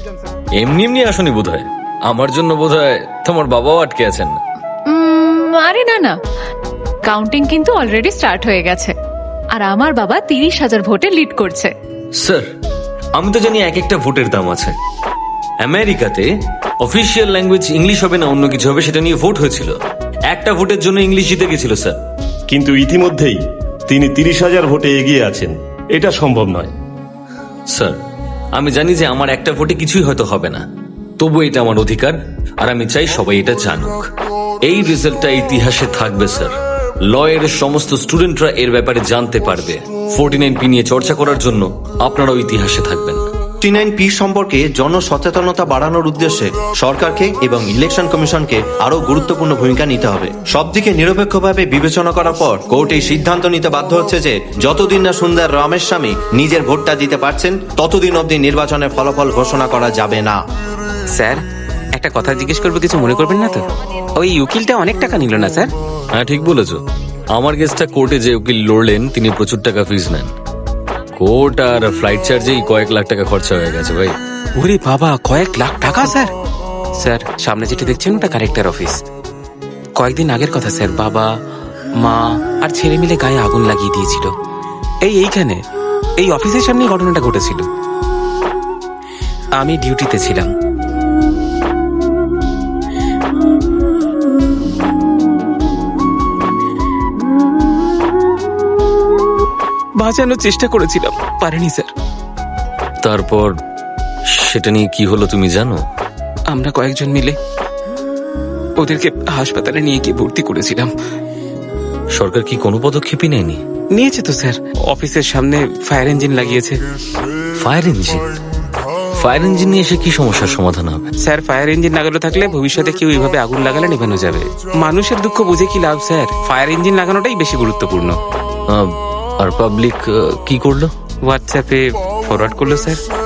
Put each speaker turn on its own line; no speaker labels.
এমনি এমনি আসনি বোধহয়, আমার জন্য বোধহয় তোমার বাবাও আটকে আছেন।
আরে না না, কাউন্টিং কিন্তু অলরেডি স্টার্ট হয়ে গেছে আর আমার বাবা 30,000 ভোটে লিড করছে।
স্যার, আমি তো জানি এক একটা ভোটের দাম আছে। আমেরিকাতে অফিসিয়াল ল্যাঙ্গুয়েজ ইংলিশ হবে না অন্য কিছু হবে সেটা নিয়ে ভোট হয়েছিল, একটা ভোটের জন্য ইংলিশ জিতে গেছিল স্যার।
কিন্তু ইতিমধ্যেই তিনি 30,000 ভোটে এগিয়ে আছেন, এটা সম্ভব নয়।
স্যার, আমি জানি যে আমার একটা ভোটে কিছুই হয়তো হবে না, তবু এটা আমার অধিকার আর আমি চাই সবাই এটা জানুক। এই রেজাল্টটা ইতিহাসে থাকবে স্যার, ল এর সমস্ত স্টুডেন্টরা এর ব্যাপারে জানতে পারবে। 49P নিয়ে চর্চা করার জন্য আপনারাও ইতিহাসে থাকবেন।
49P সম্পর্কে জনসচেতনতা বাড়ানোর উদ্দেশ্যে সরকারকে এবং ইলেকশন কমিশনকে আরো গুরুত্বপূর্ণ ভূমিকা নিতে হবে। সবদিকে নিরপেক্ষভাবে বিবেচনা করার পর কোর্ট এই সিদ্ধান্ত নিতে বাধ্য হচ্ছে যে যতদিন না সুন্দর রামেস্বামী নিজের ভোটটা দিতে পারছেন ততদিন অবধি নির্বাচনের ফলাফল ঘোষণা করা যাবে না।
স্যার, একটা কথা জিজ্ঞেস করবো, কিছু মনে করবেন না তো? ওই উকিলটা অনেক টাকা নিল না স্যার?
হ্যাঁ ঠিক বলেছো, আমার কেসটা কোর্টে যে উকিল লড়লেন তিনি প্রচুর টাকা ফিস নেন। কোর্ট আর ফ্লাইট চার্জেই কয়েক লাখ টাকা খরচা হয়ে গেছে ভাই।
ওরে বাবা, কয়েক লাখ টাকা স্যার! স্যার, সামনে যেটা দেখছেন ওটা কালেক্টর অফিস। কয়েকদিন আগের কথা স্যার, বাবা মা আর ছেলে মিলে গায়ে আগুন লাগিয়ে দিয়েছিল। এইখানে এই অফিসের সামনে ঘটনাটা ঘটেছিল। আমি ডিউটিতে ছিলাম। বাঁচানোর চেষ্টা করেছিলাম, পারিনি স্যার।
তারপর সেটা নিয়ে কি হলো তুমি জানো?
আমরা কয়েকজন মিলে ওদেরকে হাসপাতালে নিয়ে গিয়ে ভর্তি করেছিলাম।
সরকার কি কোনো পদক্ষেপই নেয়নি?
নিয়েছে তো স্যার, অফিসের সামনে ফায়ার ইঞ্জিন লাগিয়েছে।
Fire engine? ফায়ার ইঞ্জিন নিয়ে এসে কি সমস্যার সমাধান হবে?
স্যার, ফায়ার ইঞ্জিন লাগানো থাকলে ভবিষ্যতে কেউ এইভাবে আগুন লাগালে নেভানো যাবে। মানুষের দুঃখ বুঝে কি লাভ স্যার, ফায়ার ইঞ্জিন লাগানোটাই বেশি গুরুত্বপূর্ণ।
আর পাবলিক কি করলো?
হোয়াটসঅ্যাপে ফরওয়ার্ড করলো স্যার।